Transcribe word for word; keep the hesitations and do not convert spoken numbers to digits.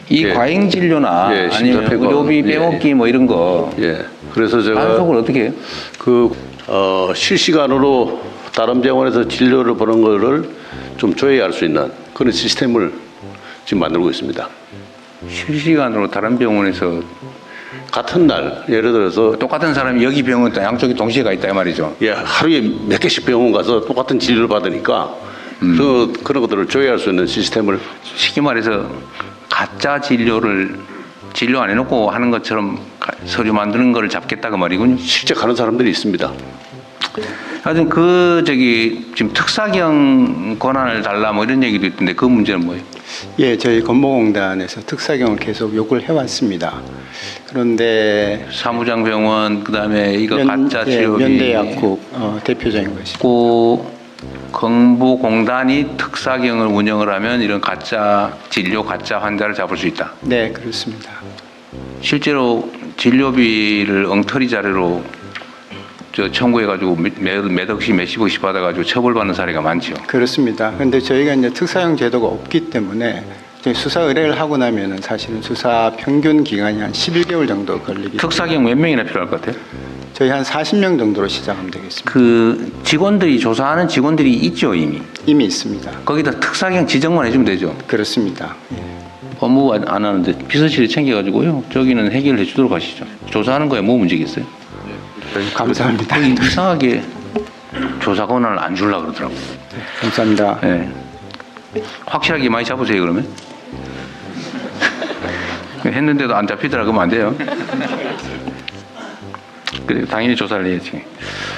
이 예. 과잉 진료나 예, 아니면 심사평가. 의료비 빼먹기 예. 뭐 이런 거 예. 그래서 제가 단속을 어떻게 해요? 그 어, 실시간으로 다른 병원에서 진료를 보는 거를 좀 조회할 수 있는 그런 시스템을 지금 만들고 있습니다. 실시간으로 다른 병원에서 같은 날 예를 들어서 똑같은 사람이 여기 병원 또 양쪽이 동시에 가 있다 이 말이죠. 예, 하루에 몇 개씩 병원 가서 똑같은 진료를 받으니까 음. 그, 그런 것들을 조회할 수 있는 시스템을 쉽게 말해서 가짜 진료를 진료 안 해놓고 하는 것처럼 가- 서류 만드는 거를 잡겠다 그 말이군요. 실제 가는 사람들이 있습니다. 하여튼 그 저기 지금 특사경 권한을 달라 뭐 이런 얘기도 있던데 그 문제는 뭐예요? 예, 저희 건보공단에서 특사경을 계속 요구를 해왔습니다. 그런데 사무장병원 그다음에 이거 가짜 예, 치료비 연대약국 어, 대표적인 것이. 고 건보공단이 특사경을 운영을 하면 이런 가짜 진료 가짜 환자를 잡을 수 있다. 네, 그렇습니다. 실제로 진료비를 엉터리 자료로 저 청구해가지고 몇, 몇 억씩 몇십억씩 받아가지고 처벌받는 사례가 많죠. 그렇습니다. 그런데 저희가 이제 특사형 제도가 없기 때문에 저희 수사 의뢰를 하고 나면은 사실은 수사 평균 기간이 한 십일 개월 정도 걸리기 때문에 특사경 몇 명이나 필요할 것 같아요? 저희 한 사십 명 정도로 시작하면 되겠습니다. 그 직원들이 조사하는 직원들이 있죠 이미. 이미 있습니다. 거기다 특사경 지정만 해주면 되죠. 그렇습니다. 예. 법무부 안 하는데 비서실에 챙겨가지고요. 저기는 해결해 주도록 하시죠. 조사하는 거에 뭐 문제겠어요? 감사합니다. 거기 이상하게 조사 권한을 안 주려고 그러더라고요. 감사합니다. 네. 확실하게 많이 잡으세요 그러면. 했는데도 안 잡히더라 그러면 안 돼요. 그래 당연히 조사를 해야지.